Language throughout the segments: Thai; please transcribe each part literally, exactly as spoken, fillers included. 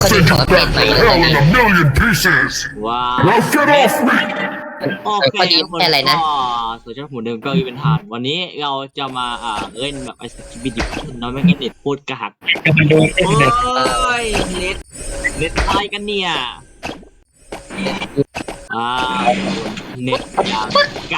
ก็ดี Send ขอ you อัปเดต back ใหม่ to แล้วกั hell น in นะ a million pieces. ว้าว Now get off me. โอเคข้อดีทุกคนแค่อะไรนะก็ส่วนช่องหมูเดิมก็อีเป็นฐานวันนี้เราจะมาอ่าเล่นแบบไอสกิปปี้ดิบน้อยไม่งั้นเน็ตพูดกระหักโอ้ยเน็ตเน็ตอะไรกันเนี่ยอ่าเน็ตอย่างก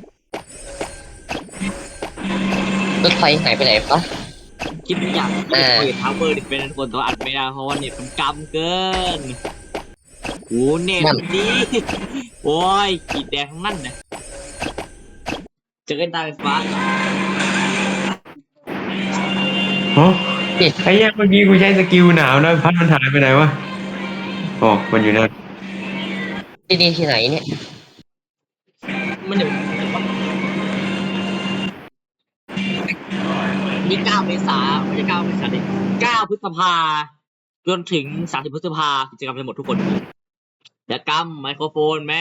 รถไฟหายไปไหนปะำคิดอย่างที่อ่าเปิดทาวเวอร์ดิเป็นคนตัวอัดไม่ได้เพราะว่าเน็ตมันกำเกินโอ้เน็ตดีโอ้ยขีดแดงทั้งนั้นนะเจอกันตาไฟฟ้าโอ้ไอ้ยังเมื่อกี้กูใช้สกิลหนาวนะพัดมันหายไปไหนวะอ๋อมันอยู่นั่นที่นี่ที่ไหนเนี่ยมันเดี๋ยวนี่เก้าเมษาไม่ใช่เก้าเมษาดิเก้าพฤษภาจนถึงสามสิบพฤษภากิจกรรมจะหมดทุกคนอย่ากำไมโครโฟนแม่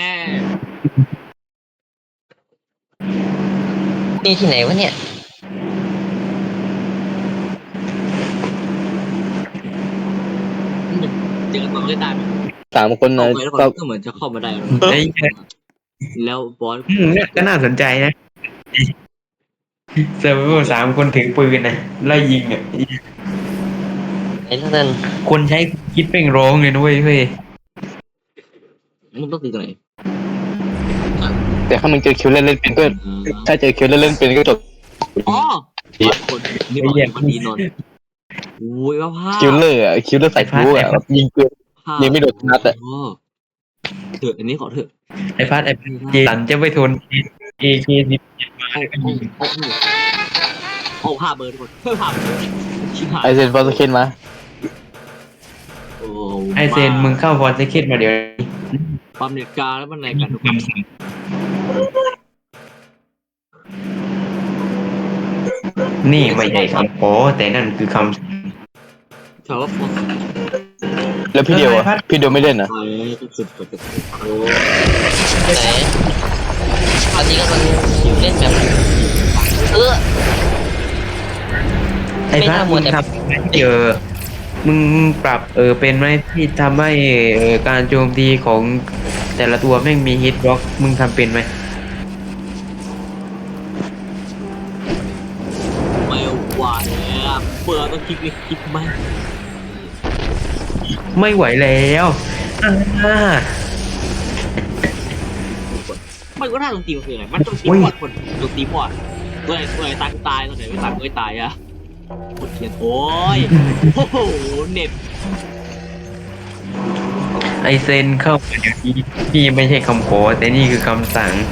นี่ที่ไหนวะเนี่ยเจอกันตอนเล่นได้ไหมสามคนเข้านะไปแล้วก็ก็เหมือนจะเข้ามาได้แล้วไอ้เหี้ยแล้วบอสอืมเนี่ยก็น่าสนใจนะเซอร์ไวเวอร์สามคนถือปืนนะไล่ยิงอ่ะไหนแล้วนั่นคนใช้คิดเป้งร้องเลยนะเว้ยเฮ้ยมึงต้องตีตรงไหนแต่ถ้ามึงเจอคิวเล่นเล่นเป็นก็ถ้าเจอคิวเล่นเล่นเป็นก็จบอ๋อคนนี่บอกวันนี้นนโอ้ยว่าภาพคิวเลอร์อ่ะคิวเลอร์ใส่ฟูอ่ะแบบยิงเกิน ยิงไม่โดนนัดอะเถอะอันนี้ขอเถอะไอ้พัดไอ้เจสันจะไปทนเอเคสิบโอ้โอ้โอ้โอ้ภาพเบอร์ทุกคนเพิ่มภาพเบอร์ชิบหายไอเซนฟอร์สเคนมาโอ้ไอเซนมึงเข้าฟอร์ซเคนมาเดี๋ยวความเน็ตกาแล้วมันอะไรกันทุกคนคำสั่งนี่ไม่ใช่คำขอแต่นั่นคือคำสั่งถามว่าฟอสแล้วพี่เดียวอ่ะพี่เดียวไม่เล่นอ่ะไอ้สุดสุดสุดโอ้ไหนตอนนี้กำลังอยู่เล่นแบบเออไอ้พัดไม่น่ามัมึวงแต่ทำเจอมึงปรับเออเป็นไหมที่ทำให้เออการโจมตีของแต่ละตัวแม่งมีฮิตบล็อกมึงทำเป็นไหมไม่ไหวแล้วเปิดต้องคลิกเลยคลิกไหมไม่ไหวแล้วอ่ามันก็น่าตรงตีมันคืออะไรมันตรงตีหมดคนตรงตีหมดตัวไหนตัวไหนตายก็ตายตัวไหนไม่ตายก็ไม่ตายอะกดเขียนโอ้ยโอ้โหเน็ตไอเซนเข้ามาเดี๋ยวนี้นี่ไม่ใช่คำขอแต่นี่คือคำสั่ง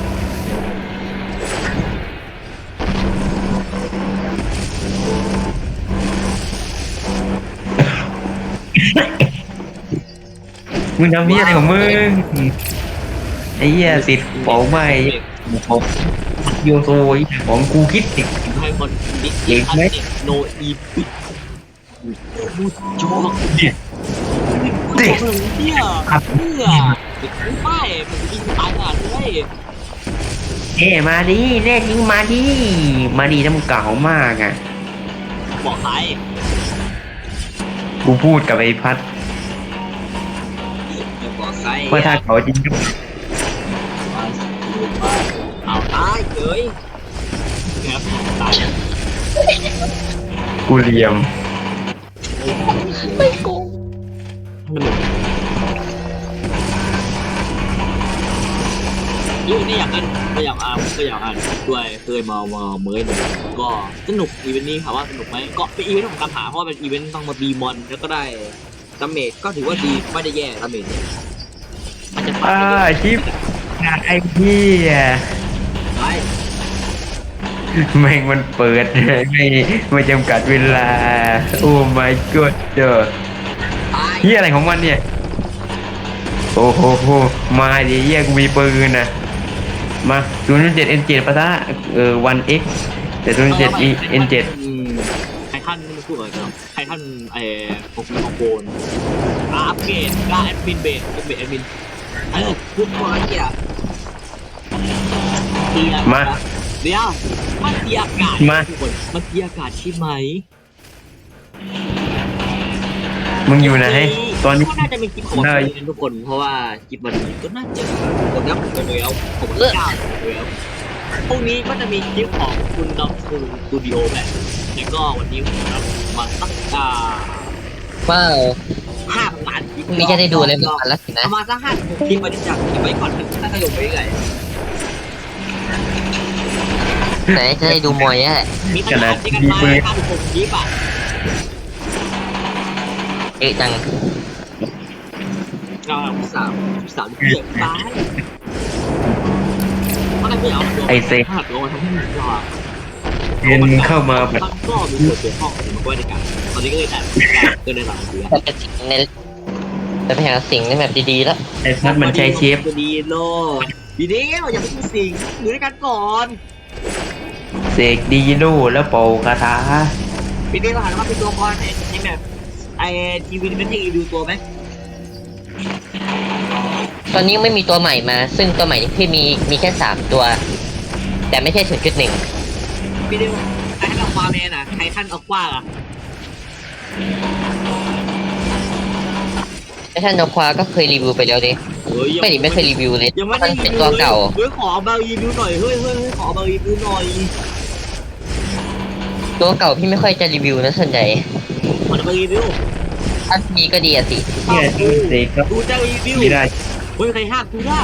มึงทำเหี้ยอะไรของมึงไอ้เหี้ยติดเผาไหม้ของโยโซยของกูคิดติดให้คนดิเก่งไหมโนอีปิมูจอกเนี่ยเด็กเนี่ยเพื่อเด็กไม่มันยิงตายขนาดนี้เอ้มาดิแน่จริงมาดิมาดิน้ำเก่ามากอ่ะบอกใครกูพูดกับไอ้พัดจะบอกใครว่าถ้าเขาจริงก็เอาตายเอ้ยครับตายกูเหลี่ยมไม่โกงยูนี่อยากเล่นก็อยากอ่านก็อยากอ่านด้วยเคยมามาเมื่อหนึ่งก็สนุกอีเวนต์นี้ถามว่าสนุกไหมก็เป็นอีเวนต์ของการหาเพราะว่าเป็นอีเวนต์ต้องมาตีมอนแล้วก็ได้ดาเมจก็ถือว่าดีไม่ได้แย่ดาเมจเนี่ยมันจะอ่าชิปไอ้พี่อ่ะไปแม่งมันเปิดไม่ไม่จำกัดเวลา โอ้ my god เจอตายเฮียอะไรของมันเนี่ย โอ้โหโหมาดิเฮียกูมีปืนนะมา ศูนย์ เจ็ด เอ็น เจ็ด ปะทะเออ วัน เอ็กซ์ แต่ ศูนย์ เจ็ด เอ็น เจ็ดอืมใครท่านไม่พูดอะไรกันใครท่านไอ้โปรแกรมของโกนอัปเกรดกล้าแอดมินเบสเป็นเบสแอดมินเออพูดมาเกี่ยตีอะมาเดี๋ยวมันตีอากาศมาทุกคนมันตีอากาศใช่ไหมมึงอยู่ไหนตีตอนนี้ก็น่าจะเป็นคลิปของได้วันนี้ทุกคนเพราะว่าคลิปวันนี้ก็น่าจะผมนับผมไปแล้วผมเก้าแล้วพรุ่งนี้ก็จะมีคลิปของคุณดอมสตูดิโอแหละแล้วก็วันนี้ผมนับมาสักอ่าว้าวห้าพันล้านคลิปพรุ่งนี้จะได้ดูอะไรบ้างแล้วสินะประมาณสักห้าคลิปมาที่จัดเก็บไว้ก่อนถ้าจะลงไปเรื่อยไหนจะได้ดูมวยอ่ะมีขนาดที่กันมาห้าถึงหกคลิปอ่ะเอ๊ะจังเราสามสามเกียร์ตายอะไรไม่เอาไอ้เซ็งห้าตัวมาทำให้มันรอเรียนเข้ามาแบบมันก็มีส่วนเกี่ยวข้องกับมันก็ในการตอนนี้ก็เลยแต่ก็ได้หลังเดือนแต่เป็นสิ่งในแต่เป็นอย่างสิ่งในแบบดีๆแล้วไอ้พัดมันใช้เชฟดีโลดีเดียวอย่าไปพูดสิ่งอยู่ด้วยกันก่อนเสกดีโดแล้วเป่าคาถาปีนี้เราหันมาเป็นตัวละครในแบบไอทีวีเป็นให้ดูตัวไหมตอนนี้ยังไม่มีตัวใหม่มา ซึ่งตัวใหม่ที่มีมีแค่สามตัว แต่ไม่ใช่ศูนย์จุดหนึ่งปีนี้ไอท่านออกมาแมนอ่ะไททันออกว่าอ่ะไอ้ท่านนควาก็เคยรีวิวไปแล้วดิเฮ้ยไม่ดิไม่เคยรีวิวเลยยังไม่มัได้นเป็นตัวเก่าเฮ้ยขอมารีวิวหน่อยเฮ้ยเฮ้ยขอมารีวิวหน่อยตัวเก่าพี่ไม่ค่อยจะรีวิวนะส่วนใหญ่ขอมารีวิวถ้ามีก็ดีอะสิเนี่ยเสกก็ดูจะรีวิวไม่ได้เฮ้ยใครห้ามกูได้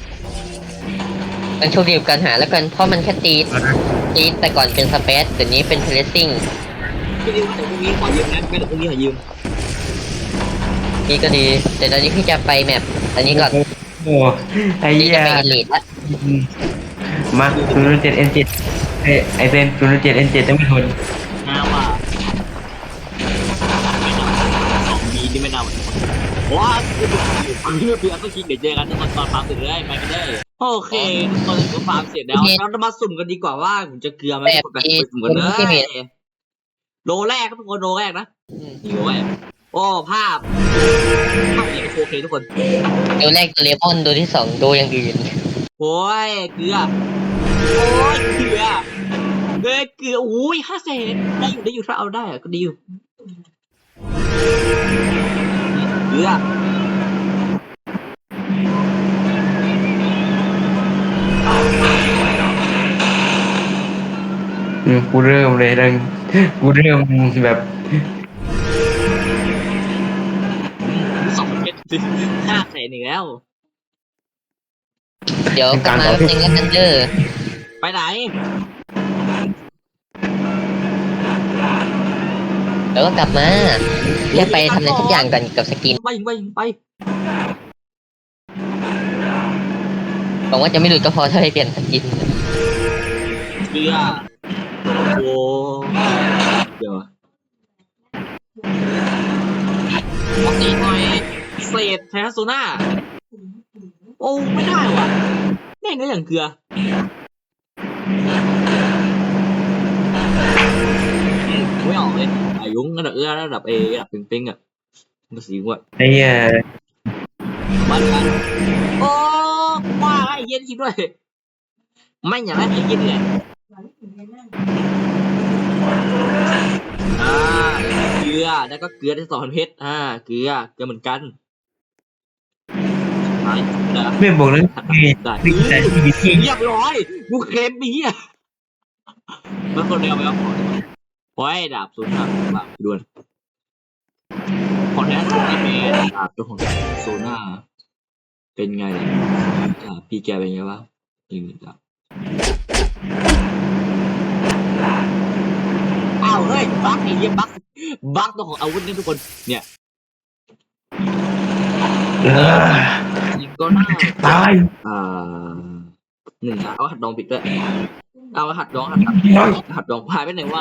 มันโชคดีกับการหาแล้วกัน เพราะมันแค่ตีดตีดแต่ก่อนเป็นสเปซแต่นี้เป็นเทเลซิ่งพี่ดิวเดี๋ยวพรุ่งนี้ขอยืมนะไม่เดี๋ยวพรุ่งนี้ขอยืมนี่ก็ดี แต่ตอนนี้พี่จะไปแมปอันนี้ก่อนโอ้ไอ้พี่เหี้จะยไปเอลิทละมาศูนย์เจ็ดเอ็นเจ็ดไอเซนศูนย์เจ็ดเอ็นเจ็ดต้องไม่ทนน้าว่าสองบีที่ไม่น่าเหมือนคนว้าอันนี้เพื่อนต้องคิดเดี๋ยวเจอกันตอนตอนฟาร์มเสร็จเลยไปกันได้โอเคตอนนี้ฟาร์มเสร็จแล้วเราจะมาสุ่มกันดีกว่าว่าผมจะเกลือไหมแบบไปที่สุ่มกันเลที่มียโลแรกทุกคนโลแรกนะโลแรกโอ้ภาพภาพเนี่ยโอเคทุกคนตัวแรกตัวเลมอนตัวที่สองตัวอย่างอื่นโอ้ยเกลือโอ้ยเกลือเกลือเกลือโอ้ยห้าเศษได้อยู่ได้อยู่ถ้าเอาได้อะก็ดีอยู่เกลืออืมกูเริ่มเลยดังกูเริ่มแบบสองเม็ดห้าเศษอีกแล้วเดี๋ยวกลับมาแป๊บนึงแล้วกันเด้อไปไหนเดี๋ยวก็กลับมาแค่ไปทำอะไรสักอย่างกันกับสกินไปไปไปหวังว่าจะไม่หลุดก็พอถ้าได้เปลี่ยนสกินเกลือโอ้เดี๋ยวปกติหน่อยเศษไททัสโซน่าโอ้ไม่ได้ว่ะแม่งก็อย่างเกลือไม่ออกเลยอายุระดับเอื้อระดับเอระดับเป้งๆอ่ะมันสีว่ะไอ้เหี้ยบ้านกันโอ้ว่าไอ้เย็นคิดด้วยไม่อย่างนั้นไอ้เย็นเนี่ยอ่าเกลือแล้วก็เกลือได้สองพันเพชรอ่าเกลือเกลือเหมือนกันไปนะไม่บอกแล้วมีได้มีแต่ที่ที่เรียบร้อยกูเคลมปีอ่ะมันคนเดียวไปเอาของโอ้ยดาบศูนย์ห้าบาทด่วนของแท้สุดไอ้เมย์ดาบตัวของโซน่าเป็นไงล่ะอ่าพี่แกเป็นไงวะนี่ดาบอ้าวเฮ้ยบั๊กไอ้เหี้ยบั๊กบั๊กตัวของอาวุธนี่ทุกคนเนี่ยเออยิงก็น่าตายอ่าหนึ่งอ่ะเอาหัดดองปิดด้วยเอาหัดดองหัดดองหัดดองพายไปไหนวะ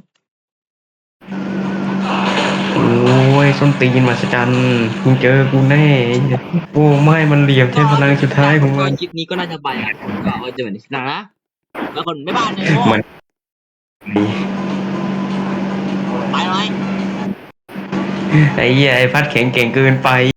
โอ้ยส้นตีนมาสจันกูเจอกูแน่โอ้ไม่มันเหลี่ยมใช้พลังสุดท้ายของมันคลิปนี้ก็น่าจะไปอ่ะผมก็เอาจะเหมือนที่หนังนะแล้วคนไม่บ้านเลยมันไปไหมไอ้เหี้ยไอ้พัดแข็งเก่งเกินไป